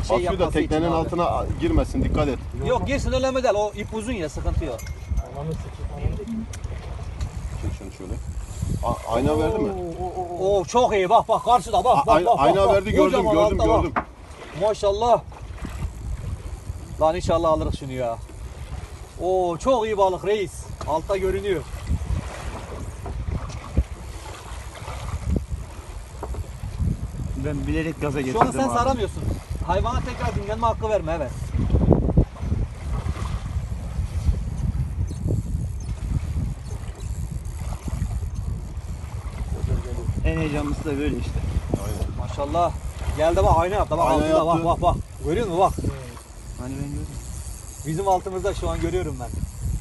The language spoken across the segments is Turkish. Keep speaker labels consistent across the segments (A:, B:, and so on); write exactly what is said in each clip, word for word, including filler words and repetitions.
A: şey
B: Basıyor da
A: yapması için
B: teknenin
A: abi.
B: altına girmesin, dikkat et.
A: Yok girsin önemli değil. O ip uzun ya, sıkıntı yok.
B: Çek şunu şöyle. A- ayna verdi mi?
A: Oo çok iyi, bak bak karşıda bak
B: A-
A: bak
B: ay-
A: bak.
B: ayna
A: bak,
B: verdi,
A: bak.
B: gördüm
A: Kocaman
B: gördüm
A: altta bak.
B: gördüm.
A: Maşallah. Lan inşallah alırız şunu ya. Oo çok iyi balık reis. Altta görünüyor.
C: Ben bilerek gaza
A: Şu
C: getirdim
A: an sen
C: abi.
A: saramıyorsun. Hayvana tekrar dinlenme hakkı verme, evet.
C: En heyecanlısı da böyle işte.
B: Aynen.
A: Maşallah. Geldi bak, ayna yaptı bak,
B: Ayna
A: altında bak
B: yaptı.
A: bak bak. Görüyor musun bak.
C: Hani ben gördüm.
A: Bizim altımızda şu an görüyorum ben.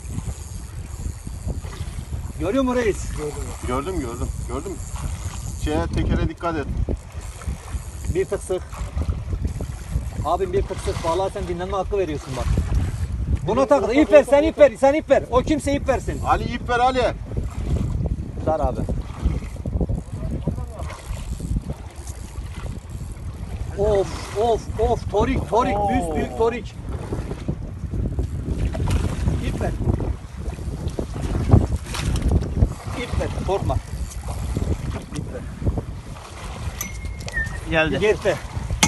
A: Görüyor musun reis?
B: Gördüm gördüm gördüm. Şeye, tekere dikkat et.
A: Bir tık sık. Abim bir tık sık. Vallahi sen dinlenme hakkı veriyorsun bak. Buna takıl. İp ver, sen ip ver. Sen ip ver. O kimse ip versin.
B: Ali ip ver Ali.
A: Dar abi. Of of of torik torik büyük büyük torik. İp ver. İp ver, korkma. İp ver.
C: Geldi.
A: Gitti.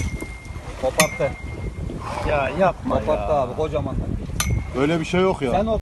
A: Koparttı.
C: Ya yapma
A: Koparttı
C: ya.
A: abi kocaman.
B: Öyle bir şey yok ya.
A: Sen o